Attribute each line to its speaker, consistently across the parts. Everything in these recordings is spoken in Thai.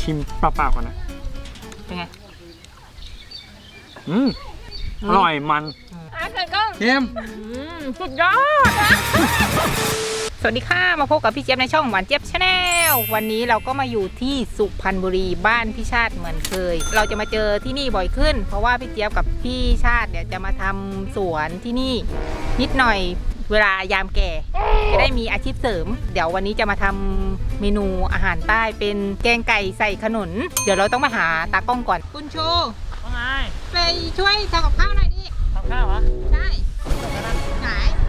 Speaker 1: ชิมเปล่าๆก่อนนะ
Speaker 2: เป็นไง
Speaker 1: อร่อยมัน
Speaker 2: เกิดก็
Speaker 1: เค็ม
Speaker 2: สุดยอดสวัสดีค่ะมาพบกับพี่เจี๊ยบในช่องหวานเจี๊ยบชาแนลวันนี้เราก็มาอยู่ที่สุพรรณบุรีบ้านพี่ชาติเหมือนเคยเราจะมาเจอที่นี่บ่อยขึ้นเพราะว่าพี่เจี๊ยบกับพี่ชาติเนี่ยจะมาทำสวนที่นี่นิดหน่อยเวลายามแก่จะได้มีอาชีพเสริมเดี๋ยววันนี้จะมาทำเมนูอาหารใต้เป็นแกงไก่ใส่ขนุนเดี๋ยวเราต้องมาหาตากล้องก่อนคุณชู
Speaker 1: ว่าไง
Speaker 2: ไปช่วยทำกับข้าวหน่อยดิ
Speaker 1: ทำข้าวเหรอ
Speaker 2: ใช่ไหน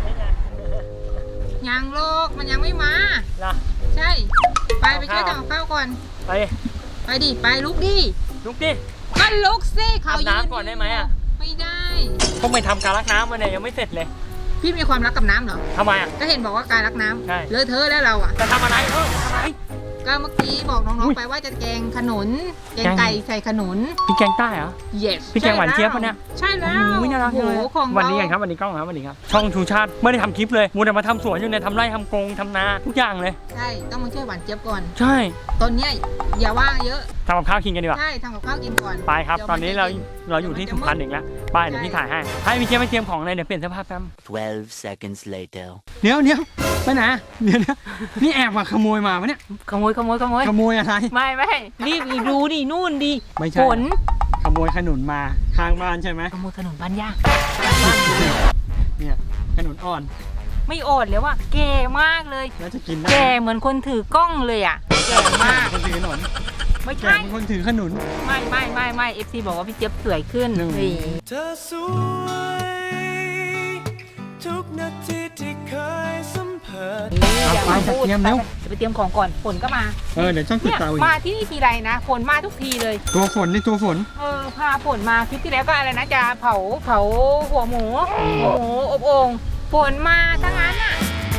Speaker 2: ยังโลกมันยังไม่มาใช่ไปช่วยทำกับข้าวก่อนไปดิไปลุกดิก็ลุกสิเขายืนน้ำก่อนได้ไหมอ่ะไม่ได้
Speaker 1: พวกไม่ทำการรักน้ำมาเนี่ยยังไม่เสร็จเลย
Speaker 2: พี่มีความรักกับน้ำเหรอ
Speaker 1: ทำไมอ่ะ
Speaker 2: ก็เห็นบอกว่าการรักน้ำเลอะเทอะแล้วเราอ่ะ
Speaker 1: จะทำอะไรทำอะไร
Speaker 2: ก็เมื่อกี้บอกน้องๆไปว่าจะแกงขนุนแกงไก่ใส่ขนุน
Speaker 1: พี่แกงใต้เหรอ
Speaker 2: yes
Speaker 1: พี่แกงหวานเจี๊ยบปะเนี่ย
Speaker 2: ใช่แล้ว
Speaker 1: โอ้ยน่ารักเลยวันนี้กันครับวันนี้กล้องครับวันนี้ครับช่องชูชาติไม่ได้ทำคลิปเลยมัวแต่มาทำสวนอยู่ในทำไร่ทำกงทำนาทุกอย่างเลย
Speaker 2: ใช่ต้องมาช่วยหวานเจี๊ยบก่อน
Speaker 1: ใช่
Speaker 2: ตอนนี้อย่าว่างเยอะ
Speaker 1: ทำกับข้าวกินกันดีกว่า
Speaker 2: ใช่ทำกับข้าวกินก่อน
Speaker 1: ไปครับตอนนี้เราอยู่ที่สุพรรณอีกแล้วไปเดี๋ยวพี่ถ่ายให้พี่เจี๊ยบไปเตรียมของเลยเดี๋ยวเปลี่ยนเสื้อผ้าแป๊บ12 seconds later เดี๋ยวไปไหนเดี๋ยวนี่แอบมาขโมยมาปะเนี่ย
Speaker 2: ขโมย
Speaker 1: อะไร
Speaker 2: ไม่รีบดูดินู่นดิฝน
Speaker 1: ขโมยขนุนมาข้างบ้านใช่ไหม
Speaker 2: ขโมยขนุนบ้านย่า
Speaker 1: เนี่ยขนุนอ่อน
Speaker 2: ไม่อ่อนเลยว่ะแก่มากเลย
Speaker 1: แล้วจะกินได้
Speaker 2: แก่เหมือนคนถือกล้องเลยอ่ะแก่มาก
Speaker 1: คนถือขนุน
Speaker 2: ไม่ใช่
Speaker 1: คนถือขนุน
Speaker 2: ไม่FC บอกว่าพี่เจี๊ยบสวยขึ้น
Speaker 3: เธอสวยทุกนาทีที่เคยสัมผัส
Speaker 2: อย่ามาพูดจะไปเตรียมของก่อนฝนก็มา
Speaker 1: เดี๋ยวช่องติดตาม
Speaker 2: มาที่นี่ทีไรนะฝนมาทุกทีเลย
Speaker 1: ตัวฝน
Speaker 2: พาฝนมาคลิปที่แล้วก็อะไรนะจะเผาหัวหมูอบโอ่งฝนมาทั้งนั้นอ่ะ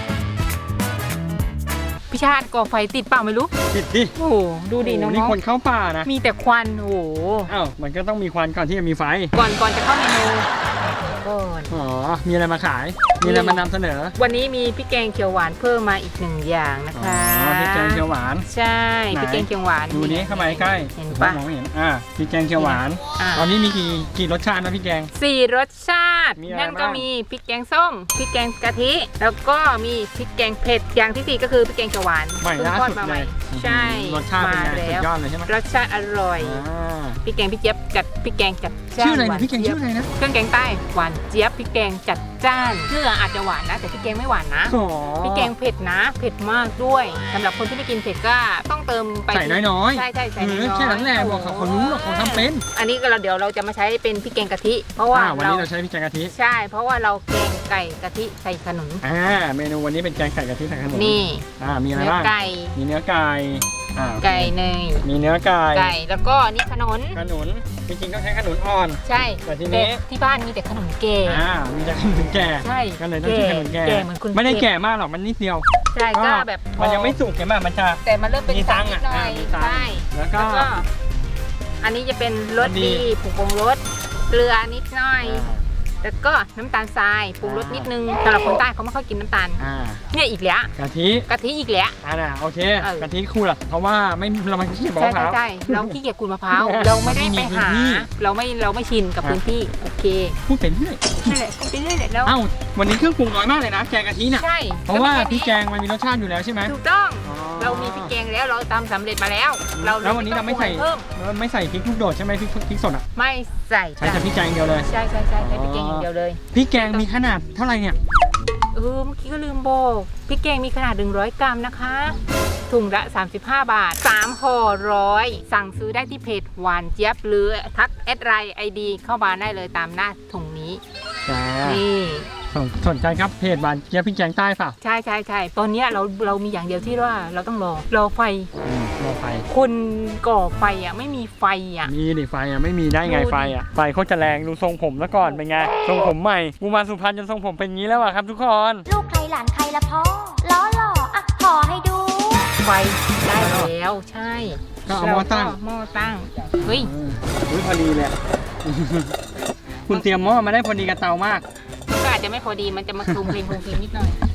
Speaker 2: พี่ชาติก่อไฟติดเปล่าไม่รู้
Speaker 1: ติดดิ
Speaker 2: โอ้ดูดิน้อง
Speaker 1: นี่คนเข้าป่านะ
Speaker 2: มีแต่ควันโอ้
Speaker 1: อ้าวมันก็ต้องมีควันก่อนที่จะมีไฟ
Speaker 2: ก่อนจะเข้าเมนู
Speaker 1: อ๋อมีอะไรมาขายมีอะไรมานำเสนอ
Speaker 2: วันนี้มีพริกแกงเขียวหวานเพิ่มมาอีก1อย่างนะคะ
Speaker 1: พริกแกงเขียวหวาน
Speaker 2: ใช่พริกแกงเขียวหวาน
Speaker 1: ดูนี้เข้ามาใกล้
Speaker 2: เห็นปะ
Speaker 1: มองไม่เห็นพริกแกงเขียวหวานตอนนี้มีกี่รสชาตินะพริกแกง
Speaker 2: 4รสชาตินั่นก็มีพริกแกงส้มพริกแกงกะทิแล้วก็มีพริกแกงเผ็ดอย่างที่4ก็คือพริกแกงเขียวหวาน
Speaker 1: ใหม่ล่าสุดเลย
Speaker 2: ใช่
Speaker 1: รสชาติเป็นไงสุดยอดเลยใช่ไหม
Speaker 2: รสชาติอร่อยพริกแกงพี่เจี๊ยบจัดพริกแกงจัด
Speaker 1: ชื่ออะไรนะพริกแกงชื่ออะไรนะ
Speaker 2: เครื่องแกงใต้หวานเจี๊ยบพริกแกงจัดจ้านเนื้ออาจจะหวานนะแต่พริกแกงไม่หวานนะพริกแกงเผ็ดนะเผ็ดมากด้วยสำหรับคนที่ไม่กินเผ็ดก็ต้องเติมไป
Speaker 1: ใส่น้อย
Speaker 2: ๆใช่ใส่น้อย
Speaker 1: แค่นั้นแหละบอกเขารู้หรอกเขาทำเป็น
Speaker 2: อันนี้เดี๋ยวเราจะมาใช้เป็นพริกแกงกะทิเพราะว่า
Speaker 1: วันนี้เราใช้พริกแกงกะทิ
Speaker 2: ใช่เพราะว่าเราแกงไก่กะทิใส่ขนุน
Speaker 1: เมนูวันนี้เป็นแกงไก่กะทิใส่ขนุน
Speaker 2: นี่
Speaker 1: มีอะไรบ้างมีเนื้อไก่
Speaker 2: ไก่เนย
Speaker 1: มีเนื้อไก่
Speaker 2: แล้วก็นี่ขนุน
Speaker 1: จริงๆต้องใช้ขนุนอ่อน
Speaker 2: ใช่
Speaker 1: แต่ทีนี้
Speaker 2: ที่บ้านมีแต่ขนุนแก่
Speaker 1: มีแต่ขนุนแก่
Speaker 2: ใช่
Speaker 1: ก็เลยต้องใช้ขนุนแก่ไม่ได้แก่มากหรอกมันนิดเดียว
Speaker 2: ใช่ก็แบบ
Speaker 1: มันยังไม่สุกใช่ไหมมันจะ
Speaker 2: แต่มันเริ่มเป็น
Speaker 1: ตัง
Speaker 2: นิดหน่อยใช่
Speaker 1: แล้วก็
Speaker 2: อันนี้จะเป็นรสดีผงปรุงรสเกลือนิดหน่อยแล้วก็น้ำตาลทรายปรุงรสนิดนึงสำหรับคนใต้เขาไม่ค่อยกินน้ำตาลเนี่ยอีกแล้ว
Speaker 1: กะทิ
Speaker 2: อีกแล้ว
Speaker 1: โอเคกะทิคู่ละเพราะว่าเราไม่ขี้เกียจมะพร้าว
Speaker 2: ใช่เราขี้เกียจขูดมะพร้าวเราไม่ได้ไปหาเราไม่ชินกับพื้นที่โอเค
Speaker 1: พูดเป็นเรื่อย
Speaker 2: นั่นแหละพูดเป็นเรื่อยแล้ว
Speaker 1: วันนี้เครื่องปรุงน้อยมากเลยนะแกงกะทิเนี่ย
Speaker 2: ใช่
Speaker 1: เพราะว่าพริกแกงมันมีรสชาติอยู่แล้วใช่ไหม
Speaker 2: ถูกต้องเรามีพริกแกงแล้วเราทำสำเร็จมาแล้ว
Speaker 1: แล้ววันนี้เราไม่ใส่พริกลูกโดดใช่ไหมพริกสดอ่ะ
Speaker 2: ไม่ใส่
Speaker 1: ใช้แต่พริกแกงเดียวเลย
Speaker 2: ใช่ใช้พริกแกงอย่างเดียวเลย
Speaker 1: พริกแกงมีขนาดเท่าไหร่เนี่ย
Speaker 2: เมื่อกี้ก็ลืมบอกพริกแกงมีขนาด100 กรัมนะคะถุงละ35 บาท3ห่อ100สั่งซื้อได้ที่เพจหวานเจี๊ยบหรือทัก@IDเข้ามาได้เลยตามหน้าถุงนี้นี่
Speaker 1: สนใจครับเพจหวานเจี๊ยบพริกแกงใต้เปล่า
Speaker 2: ใช่ตอนนี้เรามีอย่างเดียวที่ว่าเราต้องรอไฟคนก่อไฟไม่มีไฟ
Speaker 1: มีดิไฟไม่มีได้ไงไฟเขาจะแรงดูทรงผมแล้วก่อนเป็นไงทรงผมใหม่กูมาสุพรรณจนทรงผมเป็นงี้แล้วครับทุกคน
Speaker 4: ลูกใครหลานใครละพ่อล้อหล่อขอให้ดู
Speaker 2: ไฟได้แล้วใช่
Speaker 1: ก็เอาหม้อตั้
Speaker 2: งเฮ้ย
Speaker 1: พอดีเลยคุณเตรียมหม้อมาได้พอดีกับเตามาก
Speaker 2: ก็อาจจะไม่พอดีมันจะมาคลุมเพลงนิดหน่อย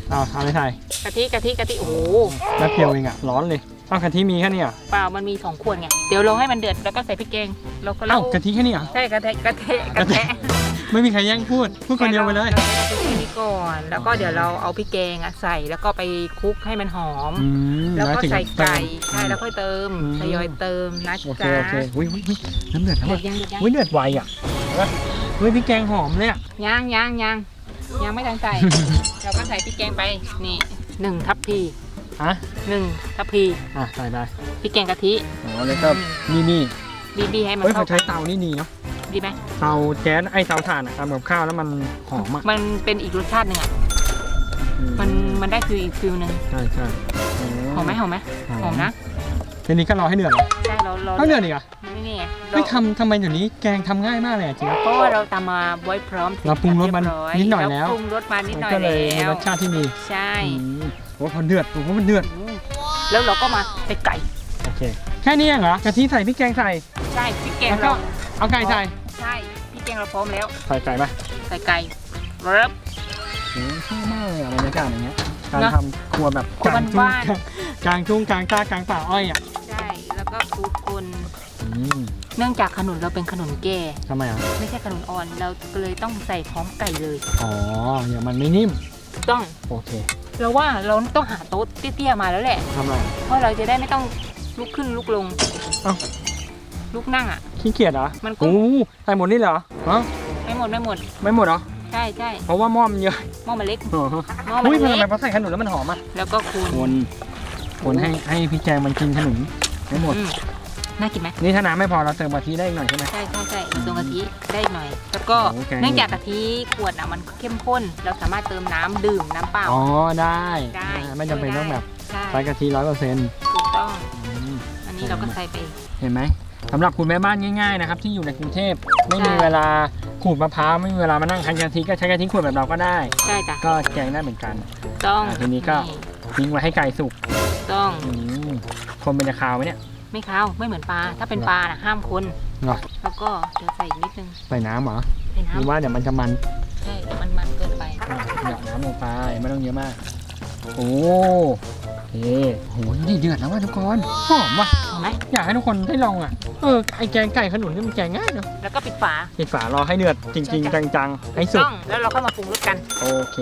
Speaker 1: เอาเลยใส่
Speaker 2: กะทิโอ้โห
Speaker 1: แป๊บเดียวเองอะร้อนเลยกะทิมีแค่นี้อ่ะ
Speaker 2: เปล่ามันมี2 ขวดไงเดี๋ยวเราให้มันเดือดแล้วก็ใส่พริกแกงแล้วก็
Speaker 1: กะทิแค่นี้อ่ะ
Speaker 2: ใช่กะเทะ
Speaker 1: ไม่มีใครแย่งพูดคนเดียวไปเลย
Speaker 2: ราใส่พริกแกงนี้ก่อนแล้วก็เดี๋ยวเราเอาพริกแกงใส่แล้วก็ไปคลุกให้มันหอม แล้วก็ใส่ไก่ใช่แล้วค่อยเติมทยอยเติมนะ
Speaker 1: โอเค
Speaker 2: จ๊ะ
Speaker 1: โอเคอุ้ยน้ำเดือดแล้ว
Speaker 2: เดือ
Speaker 1: อ่ะ
Speaker 2: ดยัง
Speaker 1: อุ้ยเดือดไวอ่ะเฮ้ยพี่แกงหอมเลยอ่ะ
Speaker 2: ยังไม่ทันใส่ เราก็ใส่พริกแกงไปนี่1 ทัพพี
Speaker 1: ฮะ
Speaker 2: 1 ทัพพี
Speaker 1: ใส่ไป
Speaker 2: พริกแกงกะทิ
Speaker 1: อ๋อแล้วก็นี่
Speaker 2: บีให้มัน
Speaker 1: เฮ้ย
Speaker 2: เข้า
Speaker 1: เขาใช้เตานี่ดีเนาะ
Speaker 2: ดีไหม
Speaker 1: เตาแก๊สเตาถ่านอ่ะทำกับข้าวแล้วมันหอมอ่ะ
Speaker 2: มันเป็นอีกรสชาติหนึ่งอ่ะมันได้คืออีกฟิลหนึ่ง
Speaker 1: ใช่
Speaker 2: หอมไหมหอมนะ
Speaker 1: ทีนี้ก็รอให้เดือดเหรอ
Speaker 2: ใช่เรา
Speaker 1: ต้องเดือดอีกอ่ะ
Speaker 2: นี่ไง
Speaker 1: ไม่ทำไมเดี๋ยวนี้แกงทำง่ายมากเลยจริง
Speaker 2: เพราะว่าเราตามมาไว้พร้อม
Speaker 1: เราปรุงรสมันนิดหน่อยแล้ว
Speaker 2: ปรุงรสมานิดหน่อย
Speaker 1: ก็เลยมี
Speaker 2: แล้ว
Speaker 1: รสชาติที่มี
Speaker 2: ใช่
Speaker 1: โอ้พอเดือดผมว่ามันเดือด
Speaker 2: แล้วเราก็มาใส่ไก่
Speaker 1: โอเคแค่นี้เองเหรอกะทิใส่พริกแกงใส่
Speaker 2: ใช่พริกแกง
Speaker 1: แล้วก็
Speaker 2: เรา
Speaker 1: เอาไก่ใส่
Speaker 2: ใช่พริกแกงเราพร้อมแล้ว
Speaker 1: ใส่ไก่ปะ
Speaker 2: ใส่ไก่เริ่ม
Speaker 1: ชอบมากเลยอะบรรยากาศอย่างเงี้ยการ
Speaker 2: เนอะ
Speaker 1: ทำครัวแบบ
Speaker 2: ครัว
Speaker 1: กลางทุ่ง
Speaker 2: บ้าน
Speaker 1: กลางทุ่งกลางตากลางป่าอ้อยอ่ะ
Speaker 2: ใช่แล้วก็คลุกคน
Speaker 1: อืม
Speaker 2: เนื่องจากขนุนเราเป็นขนุนแก่
Speaker 1: ทำไมอ่ะ
Speaker 2: ไม่ใช่ขนุนอ่อนเราก็เลยต้องใส่พร้อมไก่เลย
Speaker 1: อ๋อเดี๋ยวมันไม่นิ่ม
Speaker 2: ถูกต้อง
Speaker 1: โอเค
Speaker 2: เราว่าเราต้องหาโต๊ะเตี้ยๆมาแล้วแหละ
Speaker 1: ทำอะไร
Speaker 2: เพราะเราจะได้ไม่ต้องลุกขึ้นลุกลง
Speaker 1: เอ้า
Speaker 2: ลุกนั่งอ่ะ
Speaker 1: ขี้เกียจเหรอ
Speaker 2: มันก็
Speaker 1: โอ้ใส่หมดนี่เหรอฮะ
Speaker 2: ไม่หมด
Speaker 1: ไม่หมดเหรอ
Speaker 2: ใช่
Speaker 1: เพราะว่าหม้อมันเยอะ
Speaker 2: หม้อมันเล็ก
Speaker 1: อ๋อ
Speaker 2: หม้อมั
Speaker 1: อุ้ย
Speaker 2: น
Speaker 1: มันทำไม
Speaker 2: เล็ก
Speaker 1: พอใส่ขนุนแล้วมันหอมอ่ะ
Speaker 2: แล้วก็คูณ
Speaker 1: คนให้พี่แจงมันกินขนุนไม่หมด
Speaker 2: น่ากินไหม
Speaker 1: นี่ถ้าน้ำไม่พอเราเติมกะทิได้อีกหน่อยใช่ไหม
Speaker 2: ใช่ตรงกะทิได้อีกหน่อย แล้วก็
Speaker 1: โอเค
Speaker 2: เนื่องจากกะทิขวดอ่ะมันเข้มข้น เราสามารถเติมน้ำดื่มน้ำเปล่า
Speaker 1: อ๋อได้
Speaker 2: ได้
Speaker 1: ไม่จำเป็นต้องแบบ
Speaker 2: ใช่
Speaker 1: ใช้กะทิ100%
Speaker 2: ถูกต้อง อันนี้เราก็ใส่ไป
Speaker 1: เห็นไหมสำหรับคุณแม่บ้านง่ายๆนะครับที่อยู่ในกรุงเทพไม่มีเวลาขูดมะพร้าวไม่มีเวลามานั่งคั้นกะทิก็ใช้กะทิขวดแบบเราก็ได้
Speaker 2: ใช่จ้ะ
Speaker 1: ก็แกงได้เหมือนกัน
Speaker 2: ถูกต้อง
Speaker 1: ทีนี้ก็ทิ้งไว้ให้ไก่สุก
Speaker 2: ถูกต้อง
Speaker 1: คนมันจะคาวไหมเนี่ย
Speaker 2: ไม่คาวไม่เหมือนปลา ถ้าเป็นปลาน่ะห้ามคน
Speaker 1: เหรอ
Speaker 2: แล้วก็เดี๋ยวใส่อีกนิดนึง
Speaker 1: ใส่น้ำเหรอ
Speaker 2: ใส่
Speaker 1: หรือ
Speaker 2: น้ำ
Speaker 1: ว่าเดี๋ยวมันจะมัน
Speaker 2: ใช่มันเกินไป
Speaker 1: หยอดน้ำลงไปไม่ต้องเยอะมากโอ้โหโหนี่เดือดแล้วว่ะทุกคนหอมว่ะ
Speaker 2: เห็นไหม
Speaker 1: อยากให้ทุกคนได้ลองอ่ะไอแกงไก่ขนุนนี่มันแกงง่ายเนอะ
Speaker 2: แล้วก็ปิดฝา
Speaker 1: ปิดฝารอให้เดือดจริงๆจังๆให้สุก
Speaker 2: ต้องแล้วเราก็มาปรุงรสกัน
Speaker 1: โอเค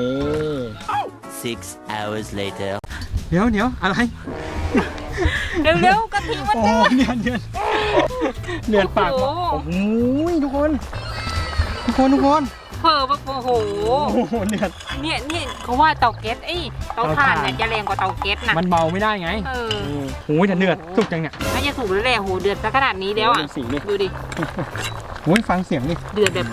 Speaker 5: 6 hours later.
Speaker 1: เดี๋ยวอะไร
Speaker 2: เร็วๆกะทิมัน
Speaker 1: โอ้
Speaker 2: เดือด
Speaker 1: เดือดปาก
Speaker 2: โอ้
Speaker 1: โอ้
Speaker 2: โห
Speaker 1: โหทุกคน
Speaker 2: เผลอแบบโอ้โห
Speaker 1: โอ้โหเดือด
Speaker 2: เนี่ยเขาว่าเตาแก๊สเตาถ่านเนี่ยจะแรงกว่าเตาแก๊สนะ
Speaker 1: มันเบาไม่ได้ไง
Speaker 2: เออ
Speaker 1: โอ้ยแต่เดือดสุกจังเนี่ย
Speaker 2: น่าจะถูกแล้วแหละโหเดือดซะขนาดนี้แล้วอ่ะ
Speaker 1: ดูสีดิ
Speaker 2: ดูดิ
Speaker 1: โอ้ยฟังเสียงดิ
Speaker 2: เดือดแบบ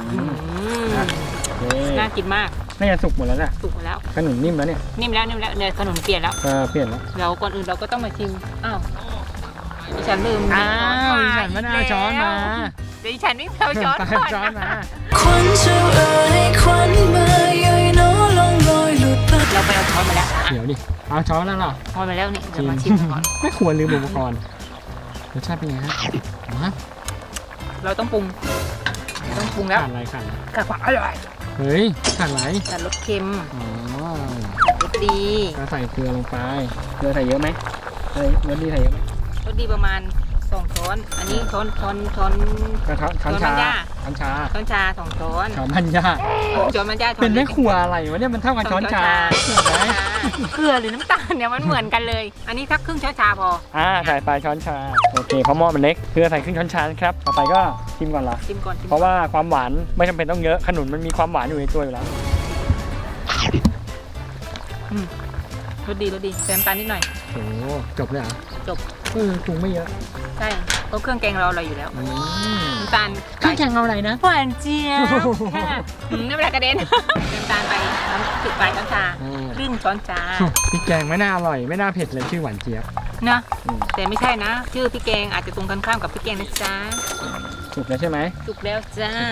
Speaker 2: น่ากินมาก
Speaker 1: น่าจะสุกหมดแล้วแหละ
Speaker 2: สุกแล้ว
Speaker 1: ขนุนนิ่มแล้วเนี่ย
Speaker 2: นิ่มแล้วเนี่ยขนมเปลี่ยนแล้ว
Speaker 1: เปลี่ยนแล้ว
Speaker 2: เราก่อนอื่นเราก็ต้องมาชิมอ้าวดิฉันลืม
Speaker 1: อ้าวดิฉันไม่ได้เอาช้อนมา
Speaker 2: เดี๋ยวดิฉันไม่เอาช้อน
Speaker 1: ไป
Speaker 2: ก่อน
Speaker 1: ช้อนมา
Speaker 3: ควันเจ้าเอ๋ยควันมาเย้ยน้อลองลอยหลุดไป
Speaker 2: เราไปเอาช้อนมาแล้ว
Speaker 1: เดี๋ยวดิเอาช้อนแล้วเหรอ
Speaker 2: ช้อนมาแล้วนี่เดี๋ยวมาชิมก่อน
Speaker 1: ไม่ควรลืมอุปกรณ์รสชาติเป็นไงฮะฮะ
Speaker 2: เราต้องปรุงแล้ว
Speaker 1: ขาดอะไรขาดอะไร
Speaker 2: กับความอร่อย
Speaker 1: เฮ้ยขาดอะไร
Speaker 2: แต่รสเค็ม
Speaker 1: อ๋อ
Speaker 2: รสดี
Speaker 1: ก็ใส่เกลือลงไปเกลือใส่เยอะไหมใส่รสดีใส่เยอะไหม
Speaker 2: รสดีประมาณ2 ช้อน อันนี้ช้อน
Speaker 1: กระทะช้อนชา
Speaker 2: ช้อนมันย่า
Speaker 1: ช้อนชา
Speaker 2: ช้อนชา2 ช้อน
Speaker 1: ช้อนพันยา
Speaker 2: ช้อนมันย่าช้อน
Speaker 1: เป็นแม่ครัวอะไรวะเนี่ยมันเท่ากับช้อนชาเห็นไหม
Speaker 2: เกลือหรือน้ำตาลเนี่ยมันเหมือนกันเลย อันนี้สักครึ่งช้อนชาพอ
Speaker 1: ใส่ไปช้อนชาโอเคเพราะหม้อมันเล็กเกลือใส่ครึ่งช้อนชาครับต่อไปก็ชิมก่อนละ
Speaker 2: ชิมก่อน
Speaker 1: เพราะว่าความหวานไม่จำเป็นต้องเยอะขนุนมันมีความหวานอยู่ในตัวอยู่แล้ว
Speaker 2: รสดีใส่น้ำตาลนิดหน่อย
Speaker 1: โอ้จบเลยเหรอ
Speaker 2: จบ
Speaker 1: ปรุงไม่เยอะ
Speaker 2: ใช่เพราะเครื่องแกงเราอร่อยอยู่แล้ว น้ำตาล
Speaker 1: เครื่องแกงเอาอะไรนะ
Speaker 2: หวานเจี๊ยบไม่เป็นไรกระเด็น น้ำตาลไปน้ำปลายช้อนชาครึ่งช้อนชา
Speaker 1: พริกแกงไม่น่าอร่อยไม่น่าเผ็ดเลยชื่อหวานเจี๊ยบ
Speaker 2: นะแต่ไม่ใช่นะ ชื่อพี่แกงอาจจะตรงกันข้ามกับพี่แกงนะจ๊ะ
Speaker 1: สุกแล้วใช่ไหม
Speaker 2: สุกแล้วจ้า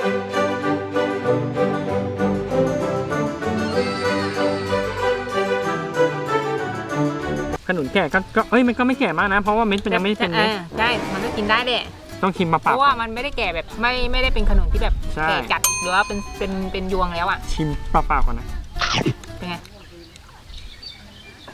Speaker 1: ขนุนแก่ก็มันก็ไม่แก่มากนะ เพราะว่าเม็ดมันยังไม่เป็นเม็ด
Speaker 2: ใช่มันก็กินได้แหละ
Speaker 1: ต้องชิมมา
Speaker 2: เพ
Speaker 1: ปาก
Speaker 2: ราะว่ามันไม่ได้แก่แบบไม่ได้เป็นขนุนที่แบบ
Speaker 1: ใช่
Speaker 2: แก่จัดหรือว่าเป็นยวงแล้วอ่ะ
Speaker 1: ชิมเปล่าๆก่อนนะ
Speaker 2: เป็นไง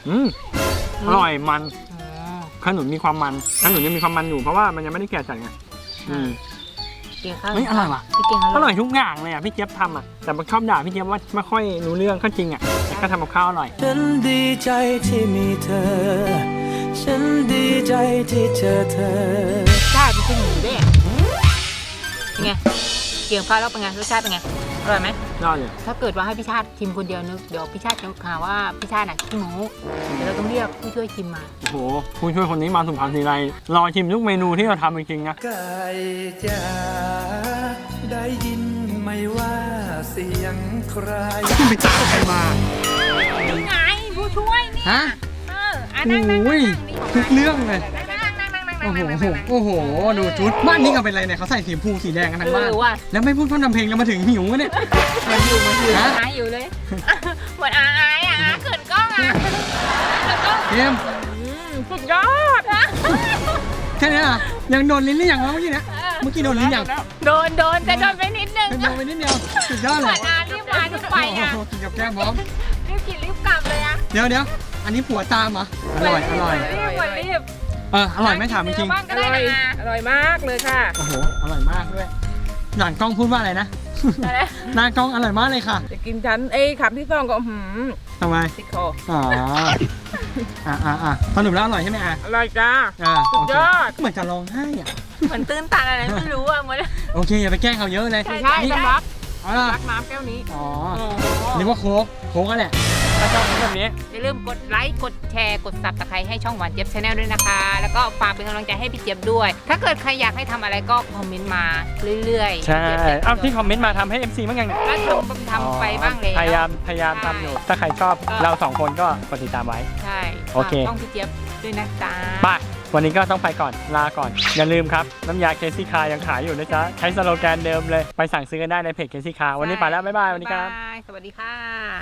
Speaker 1: อร่อยมัน
Speaker 2: อ๋อ
Speaker 1: ขนุนมีความมันขนุนยังมีความมันอยู่เพราะว่ามันยังไม่ได้แก่จัดไง
Speaker 2: เก่งข้าว
Speaker 1: เฮ้ยอร่อยว่ะ
Speaker 2: พี่เก่ง
Speaker 1: อร่อยทุกอย่างเลยอ่ะพี่เจี๊ยบทำอ่ะแต่มันชอบด่าพี่เจี๊ยบว่าไม่ค่อยรู้เรื่องก็จริงอ่ะแต่ก็ทำกับข้าวอร่อย
Speaker 6: ฉันดีใจที่มีเธอ ฉันดีใจที่เจอเธอ
Speaker 2: ชาติเป็นหมูด้วยอะเป็นไงเกี่ยวข้าวแล้วเป็นไงรสชาติเป็นไงอร่อยไหม
Speaker 1: ยอดเลย
Speaker 2: ถ้าเกิดว่าให้พี่ชาติชิมคนเดียวนึกเดี๋ยวพี่ชาติจะหาว่าพี่ชาติน่ะขี้หมูเดี๋ยวเราต้องเรียกผู้ช่วยชิมมา
Speaker 1: โอ้โหผู้ช่วยคนนี้มาสุพรรณทีไรรอชิมทุกเมนูที่เราทำจริงๆนะ
Speaker 6: ไก่จ๋าได้ยินไหมว่าเสียงใคร
Speaker 1: ไปตามใครมา
Speaker 2: นี่ไงผู้ช่วยนี่
Speaker 1: ฮะ
Speaker 2: นั่ง
Speaker 1: โอ้ยทุกเรื่องเลย
Speaker 2: นั่ง
Speaker 1: โอ้โหโอ้โหดูชุดบ้านนี้ก็เป็นไรเนี่ยเขาใส่สีชมพูสีแดงกันทั้งบ้าน
Speaker 2: ว่ะ
Speaker 1: แล้วไม่พูดพร่ำทำเพลงแล้วมาถึงหิวกันเนี่ย
Speaker 2: มันอยู่
Speaker 1: ฮะ
Speaker 2: อายอยู่เลยเหมือนอายอ่ะเขินกล้องอ่ะเขินกล้อง
Speaker 1: เกม
Speaker 2: สุดยอด
Speaker 1: แค่นี้อ่ะยังโดนลิ้นหรือยังวะเมื่อกี้เนี่ยเมื่อกี้โดนลิ้นยัง
Speaker 2: โดนแต่โดนไปนิดนึง
Speaker 1: เป็นโดนไปนิดเดียวสุดยอด
Speaker 2: เห
Speaker 1: เล
Speaker 2: มือย นอารีบมารีบไปอ่ะ
Speaker 1: โอ้โหกินกับแก้มพร้อม
Speaker 2: รีบกินรีบกลับเลยอ่ะ
Speaker 1: เดี๋ยวอันนี้ผัวตามเหรออร่อย
Speaker 2: รีบ
Speaker 1: อร่อยไม่ถามจริง
Speaker 2: บ้างก็ได้นะ
Speaker 7: อร่อยมากเลยค่ะ
Speaker 1: โอ้โหอร่อยมากด้วยหลังกล้องพูดว่าอะไรนะ
Speaker 2: อะไร
Speaker 1: หน้ากล้องอร่อยมากเลยค่ะ
Speaker 7: จะกินฉันคำที่สองก็
Speaker 1: ทำไม
Speaker 7: ติดคอ
Speaker 1: อ๋อสรุปแล้วอร่อยใช่ไหมอ่ะ
Speaker 7: อร่อยจ้า
Speaker 1: โอเค
Speaker 7: สุดยอด
Speaker 1: เหมือนจะร้องไห้อ่ะ
Speaker 2: เหมือนตื้นตันอะไรไม่รู้อ่ะเหมือน
Speaker 1: โอเคอย่าไปแกล้งเขาเยอะเลย
Speaker 7: ใช่
Speaker 1: นี่
Speaker 7: ต้องรัก
Speaker 1: อ๋อ
Speaker 7: รักน้ำแก้วนี้
Speaker 1: อ๋อนึกว่าโค้กก็แหละถ้าชอบแบบนี้
Speaker 2: อย่าลืมกดไลค์กดแชร์กดซับสไครต์ให้ช่องหวานเจี๊ยบชาแนลด้วยนะคะ แล้วก็ฝากเป็นกำลังใจให้พี่เจี๊ยบด้วย ถ้าเกิดใครอยากให้ทำอะไรก็คอมเมนต์มาเรื่อยๆ
Speaker 1: ใช่
Speaker 2: พี่จี๊ยบจะ
Speaker 1: เอาที่คอมเมนต์มาทำให้ MC บ้างยังเนี่ย
Speaker 2: ก็ทำไปบ้างแล้ว
Speaker 1: พยายามทำอยู่ถ้าใครชอบเราสองคนก็กดติดตามไว้
Speaker 2: ใช่
Speaker 1: โอเค
Speaker 2: ฝากช่องพี่เจี๊ยบด้วยนะจ๊ะ
Speaker 1: ไปวันนี้ก็ต้องไปก่อนลาก่อน อย่าลืมครับ น้ำยาเคซี่คายังขายอยู่นะจ๊ะ ใช้สโลแกนเดิมเลย ไปสั่งซื้อกันได้ในเพจเคซี่คาวันนี้ไปแล้ว บ๊ายบาย วันนี้ครับ
Speaker 2: บ๊ายบายสวัสดีค่ะ